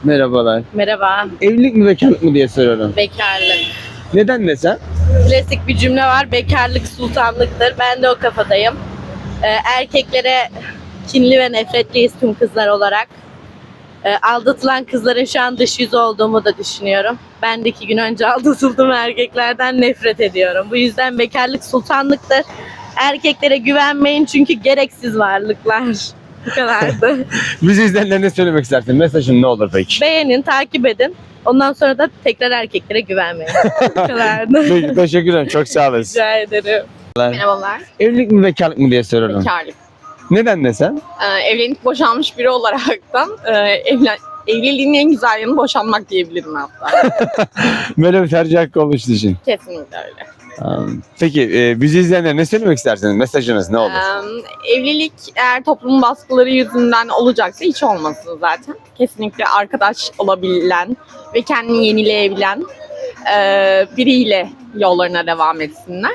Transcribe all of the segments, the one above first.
Merhabalar. Merhaba. Evlilik mi bekarlık mı diye soruyorum. Bekarlık. Neden desem? Klasik bir cümle var. Bekarlık sultanlıktır. Ben de o kafadayım. Erkeklere kinli ve nefretliyiz tüm kızlar olarak. Aldatılan kızların şu an dış yüzü olduğumu da düşünüyorum. Ben de 2 gün önce aldatıldım, erkeklerden nefret ediyorum. Bu yüzden bekarlık sultanlıktır. Erkeklere güvenmeyin çünkü gereksiz varlıklar. Bu kadardı. Bizi izleyenlere ne söylemek istersin? Mesajın ne olur peki? Beğenin, takip edin. Ondan sonra da tekrar erkeklere güvenmeyin. Bu kadardı. Peki, teşekkür ederim. Çok sağ olasın. Rica ederim. Merhabalar. Evlilik mi bekarlık mı diye soruyorum. Bekarlık. Neden desem? Evlenip boşanmış biri olaraktan evliliğin en güzel yanı boşanmak diyebilirim hatta. Böyle bir tercih hakkı olmuş düşün. Kesinlikle öyle. Peki bizi izleyenlere ne söylemek istersiniz? Mesajınız ne olur? Evlilik eğer toplumun baskıları yüzünden olacaksa hiç olmasın zaten. Kesinlikle arkadaş olabilen ve kendini yenileyebilen biriyle yollarına devam etsinler.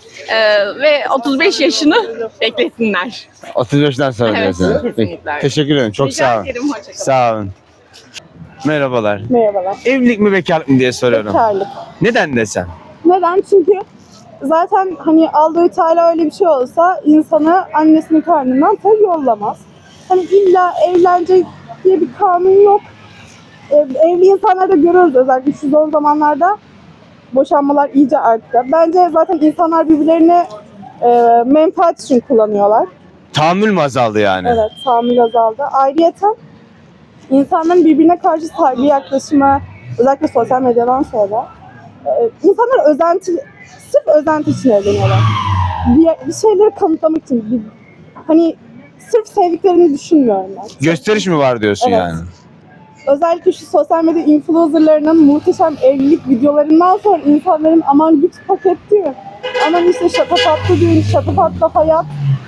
Ve 35 yaşını beklesinler. 35'ten sonra Evet, diyorsun. kesinlikle öyle. Teşekkür ederim. Çok Rica sağ olun. ederim, hoşça kalın. Sağ olun. Merhabalar. Merhabalar. Evlilik mi bekarlık mı diye soruyorum. Bekarlık. Neden desem? Neden? Çünkü zaten hani Allahu Teala öyle bir şey olsa insanı annesinin karnından tabii yollamaz. Hani illa evlenecek diye bir kanun yok. Evli insanlarda görüyoruz özellikle şu zor zamanlarda boşanmalar iyice arttı. Bence zaten insanlar birbirlerini menfaat için kullanıyorlar. Tahammül mü azaldı yani? Evet, tahammül azaldı. Ayrıyeten insanların birbirine karşı saygı yaklaşımı, özellikle sosyal medyadan sonra insanlar sırf özenti için evleniyorlar. Bir şeyleri kanıtlamak için. Hani sırf sevdiklerini düşünmüyorum ben. Gösteriş mi var diyorsun Evet. yani? Özellikle şu sosyal medya influencerlarının muhteşem evlilik videolarından sonra insanların aman lüks paket diyor. Aman işte şatafatlı düğün, şatafatlı hayat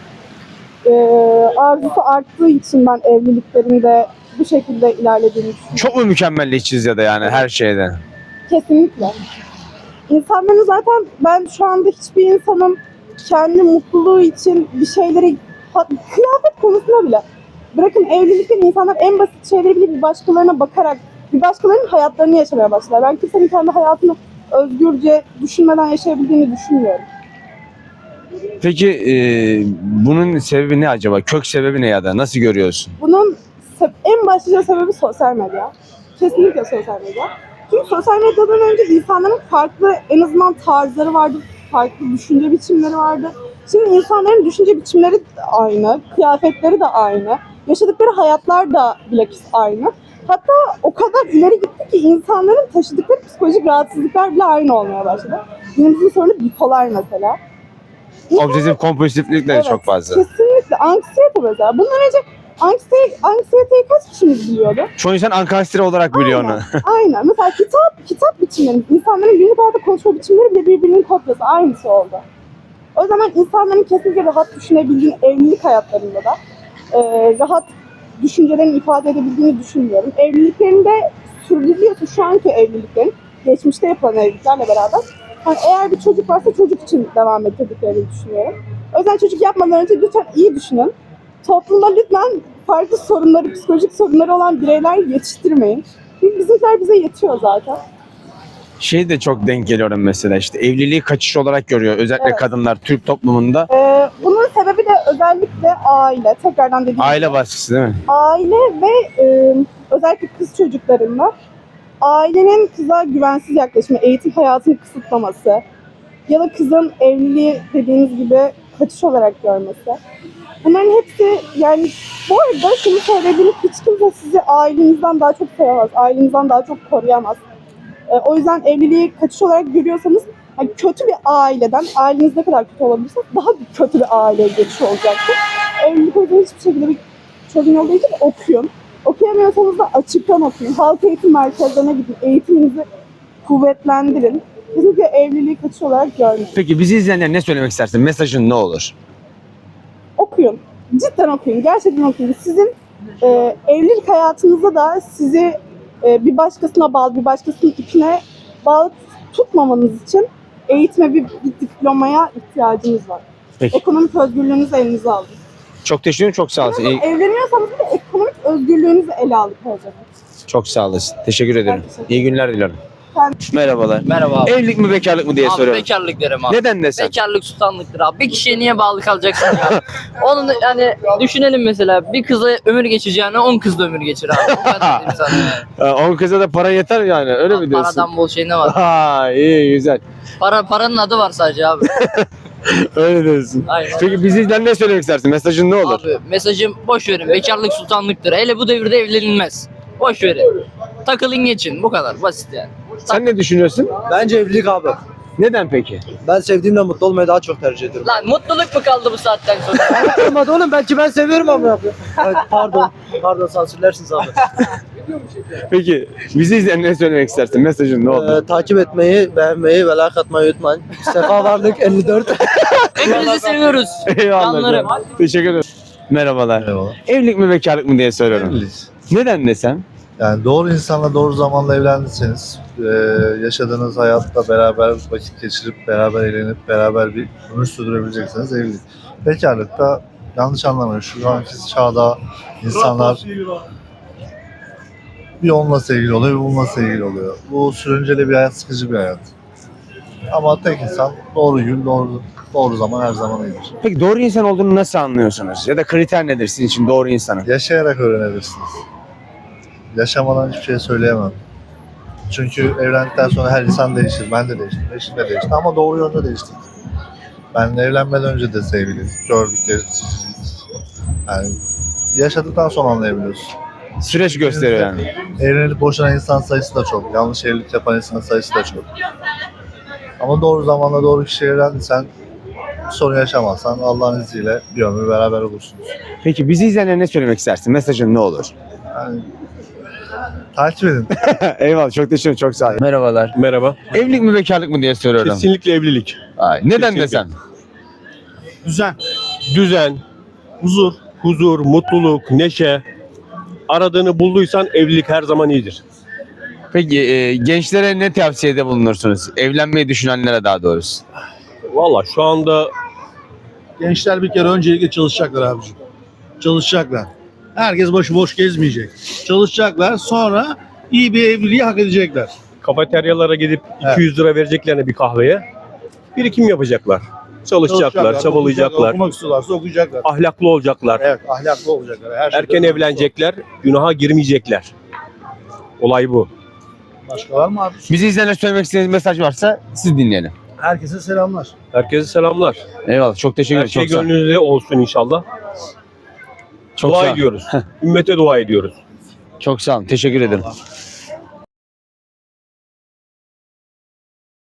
arzusu arttığı için ben evliliklerinde bu şekilde ilerlediğini düşünüyorum. Çok mu mükemmelliyetçiyiz ya da yani her şeyde? Kesinlikle. İnsanların zaten ben şu anda hiçbir insanın kendi mutluluğu için bir şeyleri kıyafet konusunda bile bırakın evlilikten insanlar en basit şeyleri bile bir başkalarına bakarak bir başkalarının hayatlarını yaşamaya başlar. Ben kimsenin kendi hayatını özgürce düşünmeden yaşayabildiğini düşünmüyorum. Peki bunun sebebi ne acaba? Kök sebebi ne ya da nasıl görüyorsun? Bunun en başlıca sebebi sosyal medya. Kesinlikle sosyal medya. Çünkü sosyal medyadan önce insanların farklı en azından tarzları vardı, farklı düşünce biçimleri vardı. Şimdi insanların düşünce biçimleri de aynı, kıyafetleri de aynı, yaşadıkları hayatlar da bilakis aynı. Hatta o kadar ileri gitti ki insanların taşıdıkları psikolojik rahatsızlıklar bile aynı olmaya başladı. Günümüzün sorunu bipolar mesela. Obsesif kompulsiflikleri Evet, çok fazla. Kesinlikle. Anksiyete mesela. Bundan önce anksiyeteyi kaç kişimiz biliyordu? Çoğu insan ankastire olarak biliyor onu. Aynen. Mesela kitap biçimleri, insanların günlük hayatta konuşma biçimleri bile birbirinin kopyası. Aynısı oldu. O zaman insanların kesinlikle rahat düşünebildiğini, evlilik hayatlarında da rahat düşüncelerini ifade edebildiğini düşünmüyorum. Evliliklerinde sürdürülüyorsa şu anki evliliklerin, geçmişte yapılan evliliklerle beraber hani eğer bir çocuk varsa çocuk için devam ettirdiklerini düşünüyorum. O yüzden çocuk yapmadan önce lütfen iyi düşünün. Toplumda lütfen farklı sorunları, psikolojik sorunları olan bireyler yetiştirmeyin. Çünkü bizimkiler bize yetiyor zaten. Şey de çok denk geliyorum mesela işte evliliği kaçış olarak görüyor özellikle Evet. kadınlar Türk toplumunda. Bunun sebebi de özellikle aile. Tekrardan dediğim Aile gibi. baskısı değil mi? Aile ve özellikle kız çocuklarında ailenin kıza güvensiz yaklaşımı, eğitim hayatını kısıtlaması ya da kızın evliliği dediğiniz gibi kaçış olarak görmesi. Bunların hepsi yani bu arada şunu söyleyebilirim, hiç kimse sizi ailenizden daha çok sevemez, ailenizden daha çok koruyamaz. O yüzden evliliği kaçış olarak görüyorsanız yani kötü bir aileden, aileniz ne kadar kötü olabilirse daha kötü bir aileye geçiş olacaktır. Evlilik o yüzden hiçbir şekilde bir çözüm olduğu için okuyun. Okuyamıyorsanız da açıktan okuyun. Halk eğitim merkezlerine gidin, eğitiminizi kuvvetlendirin. Kesinlikle evliliği kaçış olarak görmeyin. Peki bizi izleyenler ne söylemek istersin? Mesajın ne olur? Okuyun. Cidden okuyun. Gerçekten okuyun. Sizin evlilik hayatınızda da sizi bir başkasına bağlı, bir başkasının ipine bağlı tutmamanız için eğitime bir diplomaya ihtiyacınız var. Peki. Ekonomik özgürlüğünüzü elinize alın. Çok teşekkür ederim. Çok sağ olasın. Evleniyorsanız da ekonomik özgürlüğünüzü ele alın her zaman. Çok sağ olasın. Teşekkür ederim. İyi günler diliyorum. Merhabalar. Merhaba abi. Evlilik mi bekarlık mı diye Abi soruyorum. bekarlık derim abi. Neden desem? Bekarlık sultanlıktır abi. Bir kişiye niye bağlı kalacaksın ya? Onun yani düşünelim mesela bir kızla ömür geçeceğine 10 kızla ömür geçir abi. O kadar diyeyim sana yani. 10 kıza da para yeter yani öyle mi diyorsun? Paradan bol şey ne var? Ha iyi güzel. Paranın adı var sadece abi. Öyle diyorsun. Aynen. Peki bizden ne söylemek istersin? Mesajın ne olur? Abi mesajım boş verin. Bekarlık sultanlıktır. Hele bu devirde evlenilmez. Boş verin. Takılın geçin. Bu kadar basit yani. Sen ne düşünüyorsun? Bence evlilik abi. Neden peki? Ben sevdiğimle mutlu olmayı daha çok tercih ediyorum. Lan mutluluk mu kaldı bu saatten sonra? Olmadı oğlum, belki ben seviyorum ama yapıyor. Evet, pardon sansürlersiniz abi. Peki bizi izleyen ne söylemek istersin? Mesajın ne olur? Takip etmeyi, beğenmeyi ve like atmayı unutmayın. Sefa Varlık 54. Hepinizi seviyoruz. Eyvallah. Canlarım. Teşekkür ederim. Merhabalar. Merhaba. Evlilik mi bekarlık mı diye soruyorum. Evlilik. Neden desem? Yani doğru insanla doğru zamanla evlendiyseniz yaşadığınız hayatta beraber vakit geçirip beraber eğlenip beraber bir ömür sürdürebileceksiniz evlilik. Bekarlıkta yanlış anlamayın, şu anki çağda insanlar bir onunla sevgili oluyor, bir bununla sevgili oluyor. Bu sürünceli bir hayat, sıkıcı bir hayat. Ama tek insan doğru gün, doğru zaman her zaman iyidir. Peki doğru insan olduğunu nasıl anlıyorsunuz? Ya da kriter nedir sizin için doğru insanın? Yaşayarak öğrenebilirsiniz. Yaşamadan hiçbir şey söyleyemem. Çünkü evlendikten sonra her insan değişir. Ben de değiştim, eşim de değişti ama doğru yönde değiştik. Ben evlenmeden önce de sevgiliyiz, gördük, gezdik. Yani yaşadıktan sonra anlayabiliyorsun. Süreç gösteriyor yani. Evlenip boşanan insan sayısı da çok, yanlış evlilik yapan insan sayısı da çok. Ama doğru zamanla doğru kişiyle evlendiysen, sorun yaşamazsan Allah'ın izniyle bir ömür beraber olursunuz. Peki bizi izleyenlere ne söylemek istersin? Mesajın ne olur? Yani takip edin. Eyvallah çok teşekkür ederim. Çok sağ olun. Merhabalar. Merhaba. Evlilik mi bekarlık mı diye soruyorum. Kesinlikle evlilik. Ay, neden Kesinlikle. desem? Düzen, huzur, mutluluk, neşe. Aradığını bulduysan evlilik her zaman iyidir. Peki gençlere ne tavsiyede bulunursunuz? Evlenmeyi düşünenlere daha doğrusu. Valla şu anda Gençler bir kere öncelikle çalışacaklar abicim. Çalışacaklar. Herkes başıboş gezmeyecek. Çalışacaklar, sonra iyi bir evliliği hak edecekler. kafeteryalara gidip 200 lira vereceklerine bir kahveye birikim yapacaklar. Çalışacaklar, çabalayacaklar, Okumak istiyorlarsa okuyacaklar. ahlaklı olacaklar, Evet, ahlaklı olacaklar. Her erken şeyden evlenecekler, günaha girmeyecekler. Olay bu. Başka var mı abi? Bizi izleyenlere söylemek istediğiniz mesaj varsa siz dinleyelim. Herkese selamlar. Herkese selamlar. Eyvallah çok teşekkür Her ederim. şey Çok sağ olun. gönlünüzde olsun inşallah. Çok Dua sağ olun. ediyoruz. Ümmete dua ediyoruz. Çok sağ olun. Teşekkür ederim.